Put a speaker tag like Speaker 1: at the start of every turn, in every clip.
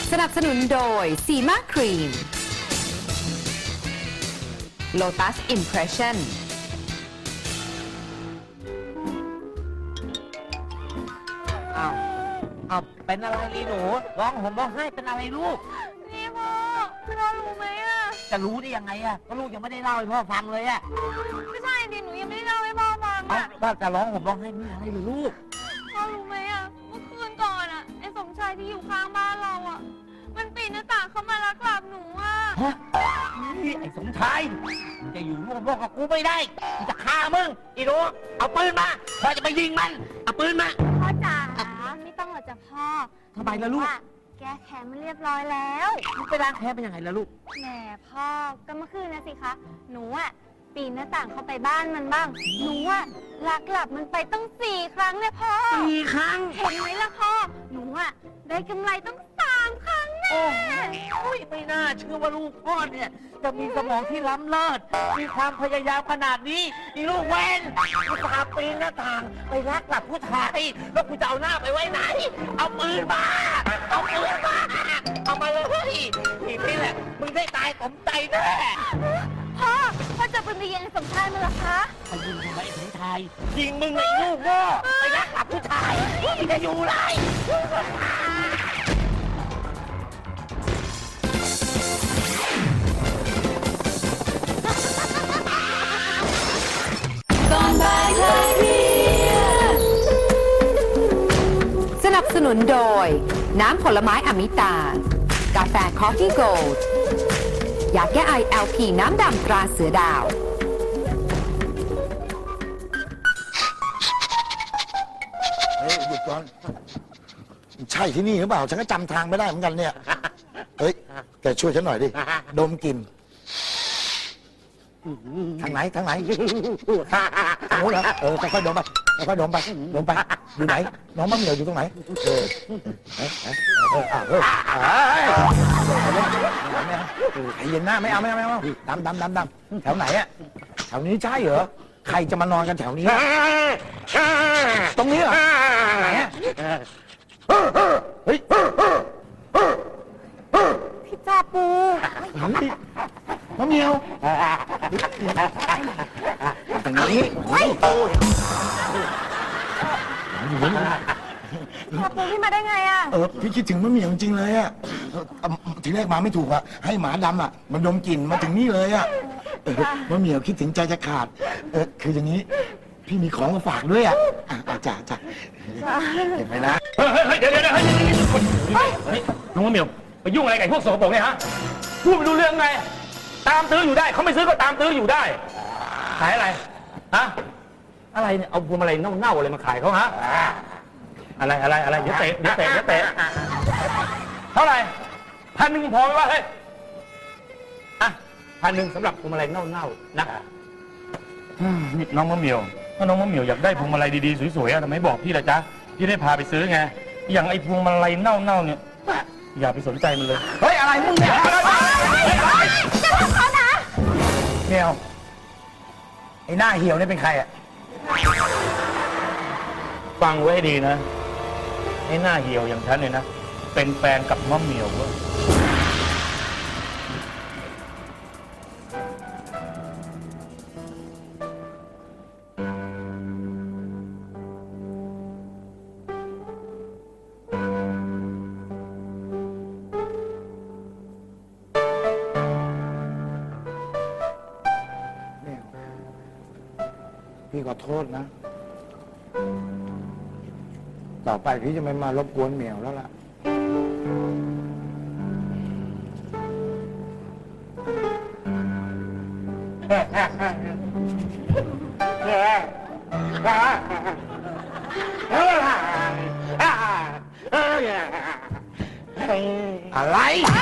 Speaker 1: สนับสนุนโดยซีมาครีม Lotus Impression
Speaker 2: เอาเป็นอะไรลีหนูร้องห่มร้องไห้เป็นอะไรลูก
Speaker 3: นี่พ่อรู้ไหมอ่ะ
Speaker 2: จะรู้ได้ยังไงอะก็ลูกยังไม่ได้เล่าให้พ่อฟังเลยอะ
Speaker 3: ไม่ใช่ดิหนูยังไม่ได้เล่าให้พ่อฟัง
Speaker 2: เอา
Speaker 3: อ่ะ
Speaker 2: ว่าจะร้องห่มร้องไห้ไม่อะไรเลยลูก
Speaker 3: พ่อรู้ไหมอ่ะเมื่อคืนก่อนอ่ะไอ้สมชายที่อยู่ข้างบ้านเราอ่ะมันปีนหน้าต่างเข้ามาลักหลับหนูอ่ะ
Speaker 2: ฮะนี่ไอ้สมชายมึงจะอยู่ร่วมโลกกับกูไม่ได้กูจะฆ่ามึงอีหนูเอาปืนมาพ่อจะไปยิงมันเอาปืนมา
Speaker 3: พ่อจ๋าไม่ต้องหรอกจ้ะพ่อ
Speaker 2: ทำไมล่ะลูก
Speaker 3: แกแค้นมันเรียบร้อยแล้ว
Speaker 2: มึงไปล้างแค้นเป็นยังไงล่ะลูก
Speaker 3: แหมพ่อก็เมื่อคืนนะสิคะหนูอ่ะปีนหน้าต่างเข้าไปบ้านมันบ้างหนูอ่ะลักหลับมันไปตั้ง4 ครั้งเนี่ยพ่อ
Speaker 2: 4 ครั้ง
Speaker 3: เห็นไหมล่ะพ่อหนูอ่ะได้กำไรต้อง3 ครั้งแน่
Speaker 2: โอ้ยไม่น่าเชื่อว่าลูกพ่อเนี่ยจะมีสมองที่ล้ำเลิศมีความพยายามขนาดนี้อีลูกเวนกูตาปีนหน้าต่างไปรักหลับผู้ชายแล้วกูจะเอาหน้าไปไว้ไหน เอาปืนมาเอาปืนมาเอามาเลยทีนี้แหละมึงได้ตายสมใจแน่
Speaker 3: พ่อจะเป็นไปยิงสมชายมันเหรอคะ
Speaker 2: ไปยิงทำไมไอ้สมชายยิงมึงไอ้ลูกโง่ไปรักหลับผู้ชายมึงจะอยู่ไร
Speaker 1: สนับสนุนโดย น้ำผลไม้อมิตา กาแฟคอฟฟี่โกลด์ยาแก้ไอ LP น้ำดำตราเสือดาว
Speaker 4: เฮ้ยหยุดก่อนใช่ที่นี่หรือเปล่าฉันก็จำทางไม่ได้เหมือนกันเนี่ยเฮ้ยแกช่วยฉันหน่อยดิดมกลิ่นทางไหนทางไหนทางโน้นเหรอค่อยๆดมไปค่อยๆดมไปอยู่ไหนน้องมะเหมี่ยวอยู่ตรงไหนใจเย็นหน้าไม่เอาดำแถวไหนอะแถวนี้ใช่เหรอใครจะมานอนกันแถวนี้ตรงนี้เหรอไหนอะเฮ้ย
Speaker 3: พี่จ่าปู
Speaker 4: มะเหมียวตรงนี้
Speaker 3: จ่าปูพี่มาได้ไงอ่ะ
Speaker 4: พี่คิดถึงมะเหมียวจริงเลยอะทีแรกมาไม่ถูกอะให้หมาดำอะมันดมกลิ่นมาถึงนี่เลยอะมะเหมียวคิดถึงใจจะขาดคืออย่างนี้พี่มีของมาฝากด้วยอะจ่าเห็นไหมนะ
Speaker 5: เฮ้ยเดี๋ยวน้องมะเหมียวไปยุ่งอะไรกับพวกโสโปรกเนี่ยฮะพูดไม่รู้เรื่องไงตามตื้ออยู่ได้เขาไม่ซื้อก็ตามตื้ออยู่ได้ขายอะไรฮะอะไรเนี่ยเอาพวงมาลัยเน่าๆอะไรมาขายเขาฮะอะไรเดี๋ยวเตะเท่าไหร่1,000พอไหมวะเฮ้ยอ่ะ1,000สำหรับพวงมาลัยเน่าๆนะนี่น้องมะเหมียวถ้าน้องมะเหมียวอยากได้พวงมาลัยดีๆสวยๆทำไมบอกพี่ล่ะจ๊ะพี่ได้พาไปซื้อไงอย่างไอ้พวงมาลัยเน่าๆเนี่ยอย่าไปสนใจมันเลยเฮ้ยอะไรมึงเนี่ยจะทำเขานะเมียวไอ้หน้าเหี่ยวนี่เป็นใครอ่ะฟังไว้ให้ดีนะไอ้หน้าเหี่ยวอย่างฉันเนี่ยนะเป็นแฟนกับมะเหมียวเว้ย
Speaker 4: พี่ขอโทษนะ ต่อไปพี่จะไม่มารบกวนเหมียวแล้วล่ะ อะไร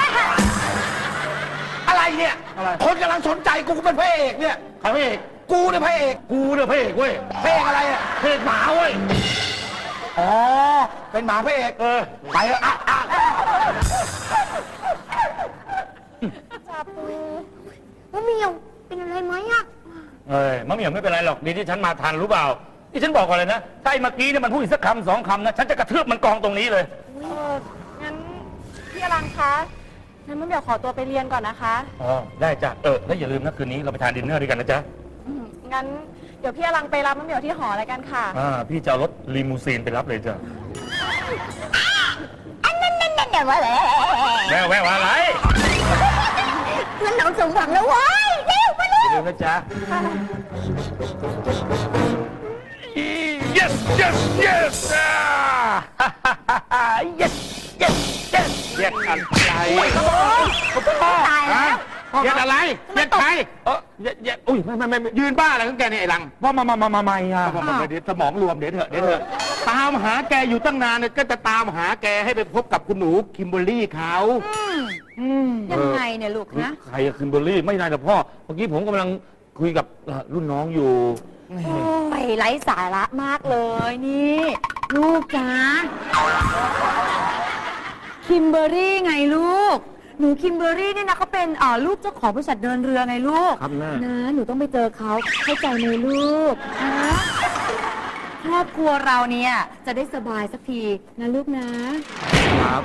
Speaker 4: อะไรเนี่ย คนกำลังสนใจกูเป็นพระเอกเนี่ย
Speaker 5: ใครพระเอก
Speaker 4: กูเนี่ยพระเอก
Speaker 5: กูเนี่ยพระเอกเว้ย
Speaker 4: พระเอกอะไรอ่ะ
Speaker 5: พระเอกหมาเว้ย
Speaker 4: อ๋อ เป็นหมาพระเอก ไปเถอะ
Speaker 3: จ่าปูว่าเมียวเป็นอะไรไหมอ่ะ
Speaker 5: เอ้ยมะเหมี่ยวไม่เป็นไรหรอกดีที่ฉันมาทันรู้เปล่าที่ฉันบอกก่อนเลยนะถ้าไอ้เมื่อกี้เนี่ยมันพูดอีกสักคำ2 คำนะฉันจะกระทืบมันกองตรงนี้เลย
Speaker 3: งั้นพี่อรังคะงั้นมะเหมี่ยวขอตัวไปเรียนก่อนนะคะ
Speaker 5: อ๋อ ได้จ้ะ แล้วอย่าลืมนะคืนนี้เราไปทานดินเนอร์ด้วยกันนะจ๊ะ
Speaker 3: งั้นเดี๋ยวพี่อรังไปรับมะเหมี่ยวที่หออะไรกันค่ะ
Speaker 5: พี่จะเอารถลีมูซีนไปรับเลยจ้ะ
Speaker 3: เดี๋ยวว่าแล้ว
Speaker 5: แม่แววอะไร
Speaker 3: เพื่อนเราสมหวังแล้วเว้ยเร็วมาเร็
Speaker 5: อย่าลืมนะจ๊ะ yes yes yes yes yes yes เรียกอะไร
Speaker 3: ตายแล้ว
Speaker 5: เรียกอะไรเรียกใครอุ้ยไม่ยืนบ้าอะไรของแกเนี่ยไอ้หลังพ่อมาอ่ะเดี๋ยวสมองรวมเดี๋ยวเถอะตามหาแกอยู่ตั้งนานเนี่ยก็จะตามหาแกให้ไปพบกับคุณหนูคิมเบอร์รี่เขา
Speaker 1: ยังไงเนี่ยลูกนะ
Speaker 5: ใครอะคิมเบอร์รี่ไม่ได้นะพ่อเมื่อกี้ผมกำลังคุยกับรุ่นน้องอยู่
Speaker 1: โอ้ยไร้สาระมากเลยนี่ ลูกจ้าคิมเบอร์รี่ไงลูก หนูคิมเบอร์รี่เนี่ยนะเขาเป็นลูกเจ้าของบริษัทเดินเรือไงลูก
Speaker 5: ครับแม่
Speaker 1: นะหนูต้องไปเจอเขาเข้าใจไหมลูกนะครอบครัวเราเนี่ยจะได้สบายสักทีนะลูกนะครับ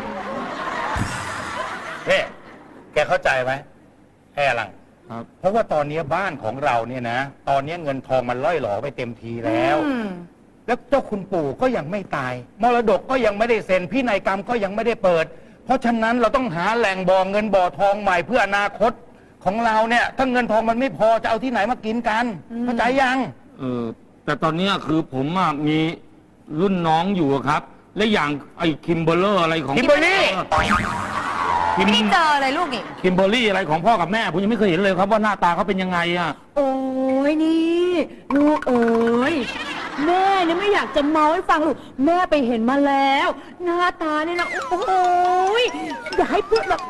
Speaker 5: เฮ้แกเข้าใจไหมแค่หลังเพราะว่าตอนนี้บ้านของเราเนี่ยนะ ตอนนี้เงินทองมันล่อยหลอไปเต็มทีแล้ว แล้วเจ้าคุณปู่ก็ยังไม่ตาย มรดกก็ยังไม่ได้เซ็นพินัยกรรมก็ยังไม่ได้เปิด เพราะฉะนั้นเราต้องหาแหล่งบ่อเงินบ่อทองใหม่เพื่ออนาคตของเราเนี่ยถ้าเงินทองมันไม่พอจะเอาที่ไหนมากินกันเข้าใจยัง
Speaker 6: แต่ตอนนี้คือผมมีรุ่นน้องอยู่ครับ และอย่างไอ้คิมเบอร์เลอร์อะไรของ
Speaker 5: คิมเบอร์รี่
Speaker 1: ไม่ได้เจอเลยลูกนี่
Speaker 6: คิมเบอร์รี่อะไรของพ่อกับแม่ผมยังไม่เคยเห็นเลยครับว่าหน้าตาเขาเป็นยังไงอ่ะ
Speaker 1: โอ้ยนี่ลูกเอ๋ยแม่เนี่ยไม่อยากจะเมาให้ฟังลูกแม่ไปเห็นมาแล้ว หน้าตาเนี่ยนะโอ้ยอยากให้พูดแบบ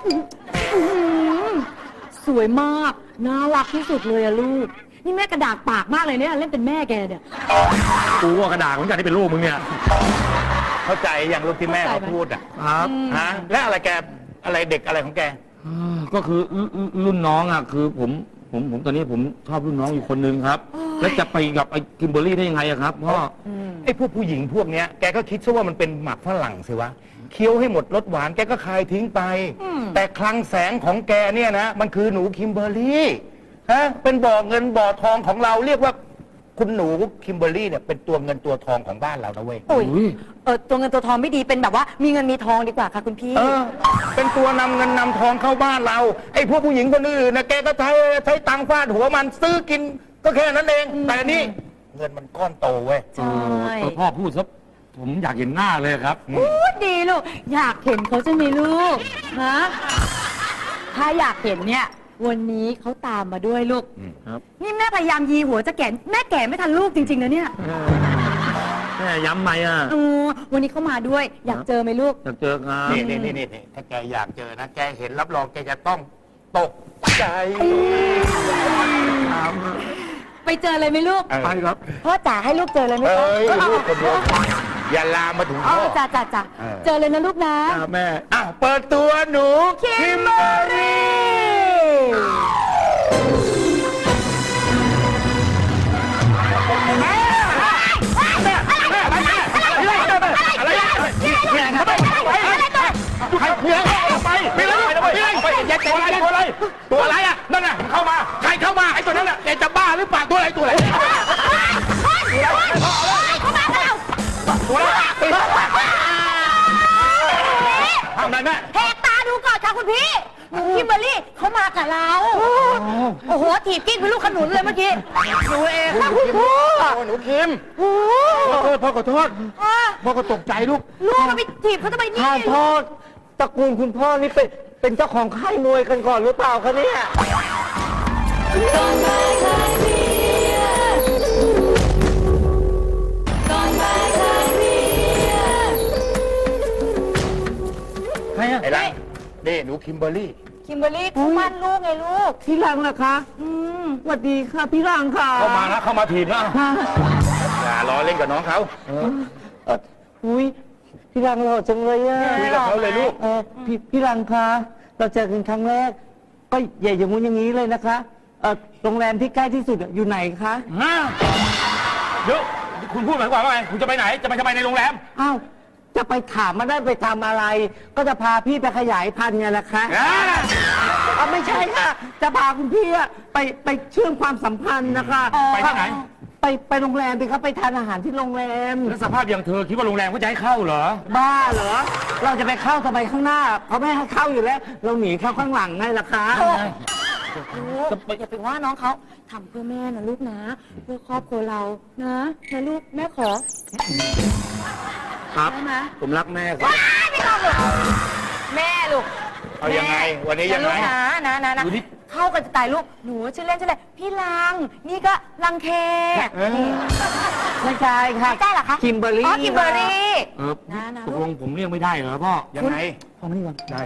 Speaker 1: สวยมากน่ารักที่สุดเลยอะลูกนี่แม่กระดากปากมากเลยเนี่ยเล่นเป็นแม่แกเนี่ย
Speaker 6: กูว่ากระดาษเหมือนกันที่เป็นลูกมึงเนี่ย
Speaker 5: เข้าใจอย่างลูกที่แม่เขาพูดอ่ะ
Speaker 6: ครับ
Speaker 5: ฮะและอะไรแกอะไรเด็กอะไรของแก
Speaker 6: ก็คือรุ่นน้องอ่ะคือผมตอนนี้ผมชอบรุ่นน้องอยู่คนนึงครับ แล้วจะไปกับไอ้คิมเบอร์รี่ได้ยังไงอะครับพ่อ
Speaker 5: ไอ้พวกผู้หญิงพวกเนี้ยแกก็คิดซะว่ามันเป็นหมักฝรั่งสิวะเคี้ยวให้หมดรสหวานแกก็คายทิ้งไป แต่คลังแสงของแกเนี่ยนะมันคือหนูคิมเบอร์รี่ฮะเป็นบ่อเงินบ่อทองของเราเรียกว่าคุณหนูคิมเบอร์รี่เนี่ยเป็นตัวเงินตัวทองของบ้านเรานะเว้ย
Speaker 1: อุ้ยตัวเงินตัวทองไม่ดีเป็นแบบว่ามีเงินมีทองดีกว่าค่ะคุณพี่
Speaker 5: เป็นตัวนำเงินนำทองเข้าบ้านเราไอ้พวกผู้หญิงคนอื่นนะแกก็ใช้ตังค์ฟาดหัวมันซื้อกินก็แค่นั้นเองแต่อันนี่เงินมันก้อนโตเว้ย
Speaker 1: ใช่
Speaker 6: พ่อพูดซะผมอยากเห็นหน้าเลยครับ
Speaker 1: พูดดีลูกอยากเห็นเขาจะมีลูกฮะถ้าอยากเห็นเนี่ยวันนี้เขาตามมาด้วยลูก
Speaker 6: ครับ
Speaker 1: นี่แม่พยายามยีหัวจะแก่แม่แก่ไม่ทันลูกจริงๆนะเนี่ย
Speaker 6: แม่ย้ำไหมอ่ะ
Speaker 1: วันนี้เขามาด้วย อยากเจอไหมลูก
Speaker 6: อยากเจอครับ
Speaker 5: นี่ถ้าแกอยากเจอนะแกเห็นรับรองแกจะต้องตกใจ
Speaker 1: ไปเจอเลยไหมลูก
Speaker 6: ไปครับ
Speaker 1: พ่อจ๋าให้ลูกเจอเลยไหมคะ
Speaker 5: ลูกคนเดียวอย่าลามมาถึง
Speaker 1: อ๋อ
Speaker 5: พ่อ
Speaker 1: จ้าเจอเลยนะลูกนะ
Speaker 6: แม่
Speaker 5: เปิดตัวหนูคิมเบอร์รี่ตัวอะไรอ่ะนั่นน่ะเข้ามาใครเข้ามาไอ้ตัวนั้นน่ะแกจะบ้าหรือเปล่าตัวอะไรตัวอะไรทำอะไรแม่
Speaker 1: แหกตาดูก่อนค่ะคุณพี่หนูคิมเบอร์รี่เขามากับเรา โอ้โหถีบกิ้งเป็นลูกขนุนเลยเมื่อกี้หนูเองค่ะคุณพ่อ
Speaker 5: หนูคิมพ่อขอโทษพ่อก็ตกใจลูก
Speaker 1: ลูกก็ไปถีบเขาทำไมนี่
Speaker 2: โทษตระกูลคุณพ่อนี่เป็นเจ้าของค่ายมวยกันก่อนหรือเปล่าคะเนี่ย
Speaker 5: ใครอะไอ้ลังนี่หนูคิมเบอร์รี่
Speaker 1: คิมเบอร์รี่เขามั่นลูกไงลูก
Speaker 2: พี่รังนะคะสวัสดีค่ะพี่รังค่ะ
Speaker 5: เข้ามานะเข้ามาถีบนะอย่าล้อเล่นกับน้องเขา
Speaker 2: อุ้ยพี่รังหล่อจังเลยอะ
Speaker 5: คุยกับเขาเลยลูก
Speaker 2: พี่รังคะเราเจอกันครั้งแรก ก็ใหญ่อย่างงู้นอย่างนี้เลยนะคะโรงแรมที่ใกล้ที่สุดอยู่ไหนคะ
Speaker 5: เดี๋ยวคุณพูดหมายความว่าไงคุณจะไปไหนจะไปทำไมในโรงแรม
Speaker 2: อ้าวจะไปถามมาได้ไปทำอะไร ก็จะพาพี่ไปขยายพันธุ์ไงล่ะคะไม่ใช่ค่ะ จะพาคุณพี่อะไปเชื่อมความสัมพันธ์นะคะ
Speaker 5: ไปที่ไหน
Speaker 2: ไปโรงแรมสิครับไปทานอาหารที่โรงแรม
Speaker 5: แล้วสภาพอย่างเธอคิดว่าโรงแรมเขาจะให้เข้าเหรอ
Speaker 2: บ้าเหรอ เราจะไปเข้าทำไมข้างหน้าเขาไม่ให้เข้าอยู่แล้ว เราหนีเข้าข้างหลังไงล่ะคะ
Speaker 1: ลูกอย่าไปว่าน้องเขาทำเพื่อแม่นะลูกนะ เพื่อครอบครัวเรานะลูกแม่ขอ
Speaker 6: ครับ
Speaker 1: ได้ไหม
Speaker 6: ผมรักแม่ครับ
Speaker 3: ไม่ต้องหรอกแม่ลูก
Speaker 5: เอายังไง วันนี้ยังไง
Speaker 3: ลูกนะ
Speaker 5: ดูดิ
Speaker 3: เข้ากันจะตายลูกหนูชื่อเล่นชื่ออะไรพี่ลังนี่ก็ลังเค
Speaker 2: ไม่ใช่ค่ะ
Speaker 3: ไม่ใช่เหรอคะ
Speaker 2: คิมเบอร์รี่
Speaker 3: อ๋อคิมเบอร์รี่
Speaker 6: ตกลงผมเรียกไม่ได้เหรอพ่อ
Speaker 5: ยังไง
Speaker 6: พ่อไม่ก่อนได้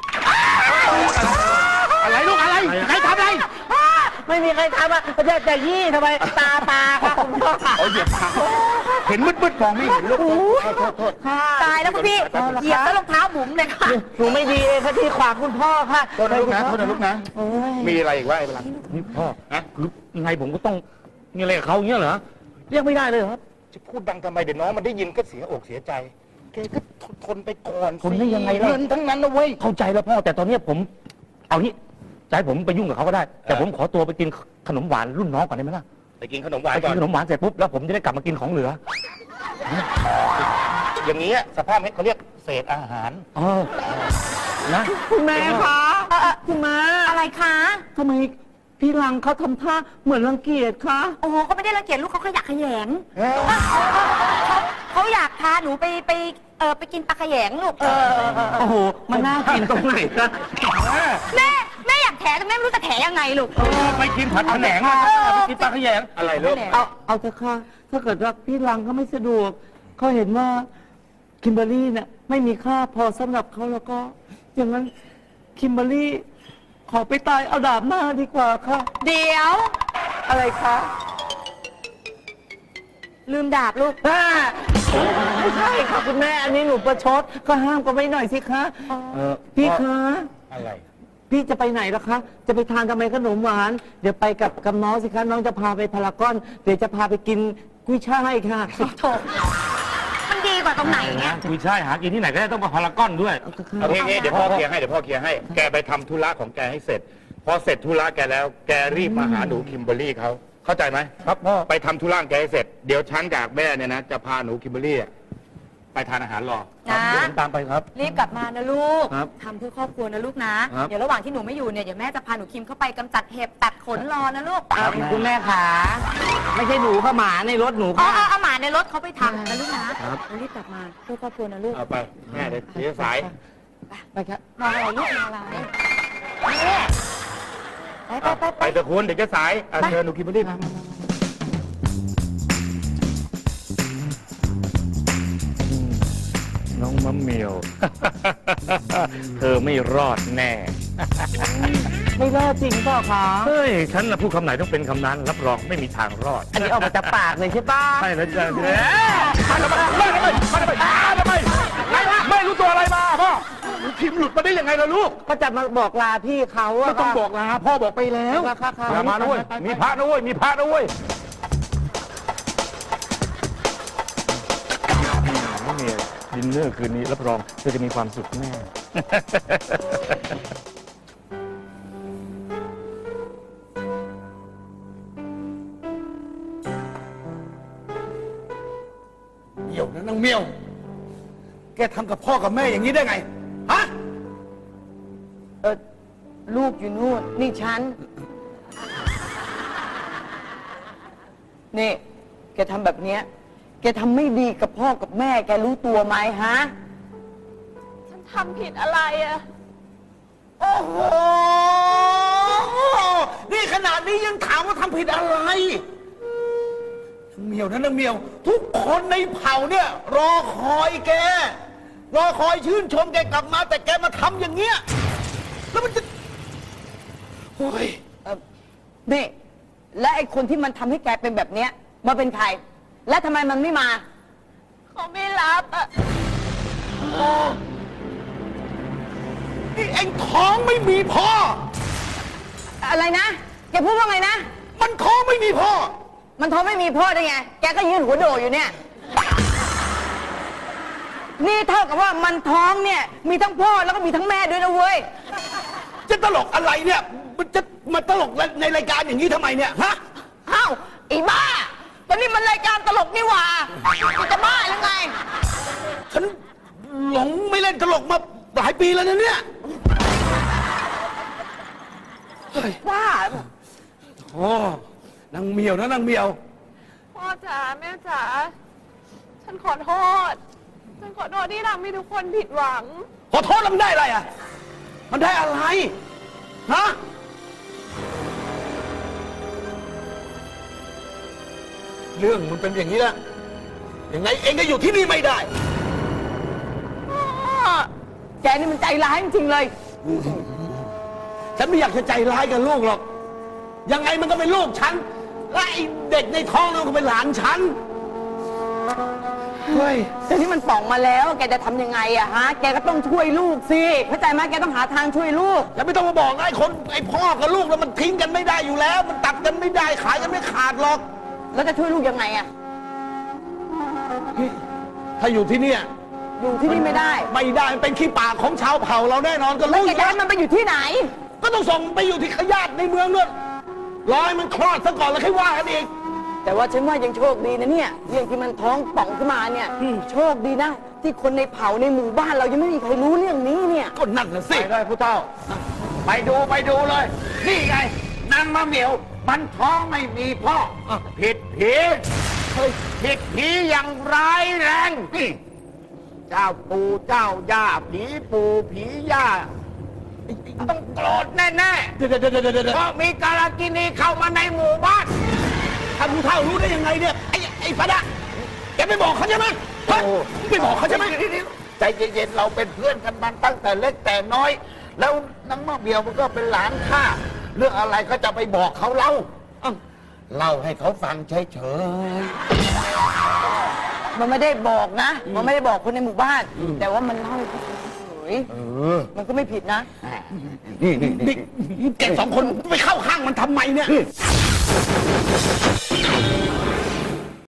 Speaker 5: อะไรลูกอะไรใครทำอะไร
Speaker 2: ไม่มีใครทำอ่ะแต่ยี่ทำไมตาปลาค่ะคุณพ่อค่ะ
Speaker 5: เอาเหยียบขาเห็นมืดๆมองไม่เห็นลูกโทษ
Speaker 3: ตายแล้วคุณพี่เหยียบแล้วรองเท้าบุ๋มเลยค่ะ
Speaker 2: หนูไม่ดีเองค่ะที่ขวางคุณพ่อค่ะ
Speaker 5: โทษนะลูกนะโทษนะลูกนะ
Speaker 2: โอ้ย
Speaker 5: มีอะไรอีกวะไอ้พลัง
Speaker 6: นี่พ่อคือยังไงผมก็ต้องมีอะไรกับเขาอย่างเงี้ยเหรอเรียกไม่ได้เลยเหรอครับ
Speaker 5: จะพูดดังทำไมเดี๋ยวน้องมันได้ยินก็เสียอกเสียใจแกก็ทนไปก่อน
Speaker 6: ทนได้ยังไงล่ะ
Speaker 5: เงินทั้งนั้นนะเว้ย
Speaker 6: เข้าใจแล้วพ่อแต่ตอนเนี้ยผมเอางี้จะให้ผมไปยุ่งกับเขาก็ได้ แต่ผมขอตัวไปกินขนมหวานรุ่นน้องก่อนได้ไหมล่ะ
Speaker 5: ไปกินขนมหวาน
Speaker 6: ไป
Speaker 5: ก่
Speaker 6: กิ
Speaker 5: อน
Speaker 6: นขนมหวานเสร็จปุ๊บแล้วผมจะได้กลับมากินของเหลือ
Speaker 5: อย่างนี้สภาพนี้เขาเรียกเศษอาหาร
Speaker 6: เออนะ
Speaker 2: คุณแม่คะคุณแม่
Speaker 3: อะไรคะ
Speaker 2: ทำไมพี่ลังเขาทำท่าเหมือนรังเกียจคะ
Speaker 3: โอ้โหเขาไม่ได้รังเกียจลูกเขาขยะแขยงเขาอยากพาหนูไปกินปลาแขยงลูก
Speaker 2: โอ้โหมันน่ากินตรงไหนคะ
Speaker 3: แม่อยากแถแต่แม่ไม่รู้จะแถยังไงลูก
Speaker 5: ไปกินผัดผนงมาไปกินปลาขยงอะไรลูก
Speaker 2: เอาเถอะค่ะถ้าเกิดว่าพี่ลังเขาไม่สะดวกเขาเห็นว่าคิมเบอร์รี่เนี่ยไม่มีค่าพอสำหรับเขาแล้วก็ อย่างนั้นคิมเบอร์รี่ขอไปตายเอาดาบหน้าดีกว่าค่ะ
Speaker 3: เดี๋ยว
Speaker 2: อะไรคะ
Speaker 3: ลืมดาบลูก
Speaker 2: ไม่ใช่ค่ะคุณแม่อันนี้หนูประชดก็ห้ามกันไว้หน่อยสิคะ พี่คะ
Speaker 5: อะไร
Speaker 2: พี่จะไปไหนล่ะคะ จะไปทานทำไมขนมหวาน เดี๋ยวไปกับน้องสิคะน้องจะพาไปพารากอน เดี๋ยวจะพาไปกินกุ้ยช่ายค่ะ
Speaker 3: โถมันดีกว่าตรงไหนเนี่ย
Speaker 6: คุยช่ายหากินที่ไหนก็ได้ต้องมาพารากอนด้วย
Speaker 5: เอางี้เดี๋ยวพ่อเคลียร์ให้ แกไปทำธุระของแกให้เสร็จ พอเสร็จธุระแกแล้ว แกรีบมาหาหนูคิมเบอร์รี่เขาเข้าใจไหมครับพ่อ ไปทำธุระแกให้เสร็จ เดี๋ยวฉันกับแม่เนี่ยนะ จะพาหนูคิมเบอร์รี่ไปทานอาหารรอ
Speaker 3: นะ
Speaker 6: เดี๋ยวผมตามไปครับ
Speaker 3: รีบกลับมานะลูก
Speaker 6: ครับ
Speaker 3: ทำเพื่อครอบครัวนะลูกนะ
Speaker 6: ครับ
Speaker 3: เดี๋ยวระหว่างที่หนูไม่อยู่เนี่ยเดี๋ยวแม่จะพาหนูคิมเข้าไปกำจัดเห็บตัดขนรอนะลูก
Speaker 2: คุณแม่ขาไม่ใช่หนูค่ะหมาในรถหนู
Speaker 3: อ๋อ
Speaker 2: ค่ะ
Speaker 3: เอาหมาในรถเขาไปทำนะลูกนะ
Speaker 1: เรารีบกลับมาเพื่อครอบครัวนะลูก
Speaker 5: เอาไปแม่เดี๋ยวเสียสาย
Speaker 2: ไปครับ
Speaker 3: มองอะไรลูกมองอะไรแม่ไป
Speaker 5: ไปเถอะคุณเดี๋ยวจะสายเชิญหนูคิมเบอร์รี่
Speaker 6: น้องมะเหมียว เธอไม่รอดแน่
Speaker 2: ไม่รอดจริงเปล่าคะ
Speaker 6: เฮ้ย ฉันนะพูดคำไหนต้องเป็นคำนั้น รับรองไม่มีทางรอด
Speaker 2: อันนี้ออกมาจากปากเลยใช่ปะ
Speaker 6: ใช่แล้วจ้ะ
Speaker 5: ไม่รู้ตัวอะไรมาพ่อพิมพ์หลุดมาได้ยังไงล่ะลูก
Speaker 2: ก็จะมาบอกลาพี่เขาอะ
Speaker 5: ไม่ต้องบอกลาพ่อบอกไปแล้ว
Speaker 2: ค่ะค่ะ
Speaker 5: อย่ามานะเว้ยมีพระนะเว้ยมีพระนะเว้ย
Speaker 6: มะเหมียวดินเนอร์คืนนี้รับรองเธอจะมีความสุขแน่
Speaker 4: เหี่ยวนะนางเมียว แกทำกับพ่อกับแม่อย่างนี้ได้ไง ฮะ
Speaker 2: ลูกอยู่นู่นนี่ฉัน นี่ แกทำแบบเนี้ย แกทำไม่ดีกับพ่อกับแม่ แกรู้ตัวไหมฮะ
Speaker 3: ฉันทำผิดอะไรอะ
Speaker 4: โอ้โห นี่ขนาดนี้ยังถามว่าทำผิดอะไรนางเมียวนะนางเมียว ทุกคนในเผ่าเนี่ย รอคอยแก รอคอยชื่นชมแกกลับมา แต่แกมาทำอย่างเงี้ย แล้วมันจะ โอ้ย
Speaker 2: นี่ และไอ้คนที่มันทำให้แกเป็นแบบเนี้ยมาเป็นใคร และทำไมมันไม่มา
Speaker 3: เขาไม่รับอะ
Speaker 4: นี่เอ็งท้องไม่มีพ่อ
Speaker 2: อะไรนะ แกพูดว่าไงนะ
Speaker 4: มันท้องไม่มีพ่อ
Speaker 2: มันท้องไม่มีพ่อได้ไง แกก็ยืนหัวโดอยู่เนี่ย
Speaker 1: นี่เท่ากับว่ามันท้องเนี่ย มีทั้งพ่อแล้วก็มีทั้งแม่ด้วยนะเว้ย
Speaker 2: จะตลกอะไรเนี่ยมันจะมาตลกในรายการอย่างนี้ทำไมเนี่ยฮะ
Speaker 1: อ้าวไอ้บ้าตอนนี้มันรายการตลกนี่หว่าจะบ้าหรือไง
Speaker 2: ฉันหลงไม่เล่นตลกมาหลายปีแล้วนะเนี่ย
Speaker 1: บ้า
Speaker 2: โอ้นางเหมียวนะนางเหมียว
Speaker 7: พ่อจ๋าแม่จ๋าฉันขอโทษ ฉันขอโทษที่ทำให้ทุกคนผิดหวัง
Speaker 2: ขอโทษแล้วมันได้อะไรอ่ะ มันได้อะไร ฮะ เรื่องมันเป็นอย่างนี้ละยังไงเองก็อยู่ที่นี่ไม่ได้
Speaker 1: แกนี่มันใจร้ายจริงๆเลย
Speaker 2: ฉันไม่อยากจะใจร้ายกับลูกหรอก ยังไงมันก็เป็นลูกฉัน และไอ้เด็กในท้องนั่นก็เป็นหลานฉัน เฮ้ย
Speaker 1: แต่นี่มันป่องมาแล้ว แกจะทำยังไงอะฮะ แกก็ต้องช่วยลูกสิเข้าใจไหมแกต้องหาทางช่วยลูก
Speaker 2: แล้วไม่ต้องมาบอกนะไอ้พ่อกับลูกแล้วมันทิ้งกันไม่ได้อยู่แล้ว มันตัดกันไม่ได้ขายกันไม่ขาดหรอก
Speaker 1: แล้วจะช่วยลูกยังไงอะ
Speaker 2: ถ้าอยู่ที่เนี่ย
Speaker 1: อยู่ที่นี่ไม่ได้
Speaker 2: ไม่ได้มันเป็นขี้ปากของชาวเผ่าเราแน่นอนก็
Speaker 1: แล้ว
Speaker 2: รู้อ
Speaker 1: แก
Speaker 2: ยู่
Speaker 1: จะ
Speaker 2: แล้ว
Speaker 1: ให้มันไปอยู่ที่ไหน
Speaker 2: ก็ต้องส่งไปอยู่ที่ขยาดในเมืองนู่นรอให้มันคลอดซะก่อนแล้วค่อยว่ากันอีก
Speaker 1: แต่ว่าฉันว่ายังโชคดีนะเนี่ยเรื่องที่มันท้องป่องขึ้นมาเนี่ยโชคดีนะ ที่คนในเผ่าในหมู่บ้านเรายังไม่มีใครรู้เรื่องนี้เนี่ย
Speaker 2: ก็นั่นน่ะสิ
Speaker 5: ไปเลยผู้เฒ่า ไปดูเลย นี่ไงนางมะเหมียว มันท้องไม่มีพ่อผิดผีผิดผีอย่างร้ายแรงนี่เจ้าปู่เจ้าย่าผีปู่ผีย่าต้องโกรธแน่
Speaker 2: เดี๋ยว
Speaker 5: ๆเพราะมีกาลกินีเข้ามาในหมู่บ้าน
Speaker 2: ท่านผู้เฒ่ารู้ได้ยังไงเนี่ย ไอ้พระแกไม่บอกเขาใช่ไหมฮะไม่บอกเขาใช่ไหม
Speaker 5: ใจเย็นๆ เราเป็นเพื่อนกันมาตั้งแต่เล็กแต่น้อย แล้วนางมะเหมียวมันก็เป็นหลานข้า เรื่องอะไรก็จะไปบอกเขาเล่าเล่าให้เขาฟังเฉย
Speaker 1: มันไม่ได้บอกนะ มันไม่ได้บอกคนในหมู่บ้าน แต่ว่ามันเล่าให้เขาฟังเฉยมันก็ไม่ผิดนะ
Speaker 5: ๆนี่
Speaker 2: แกสองคนไปเข้าข้างมันทำไมเนี่ย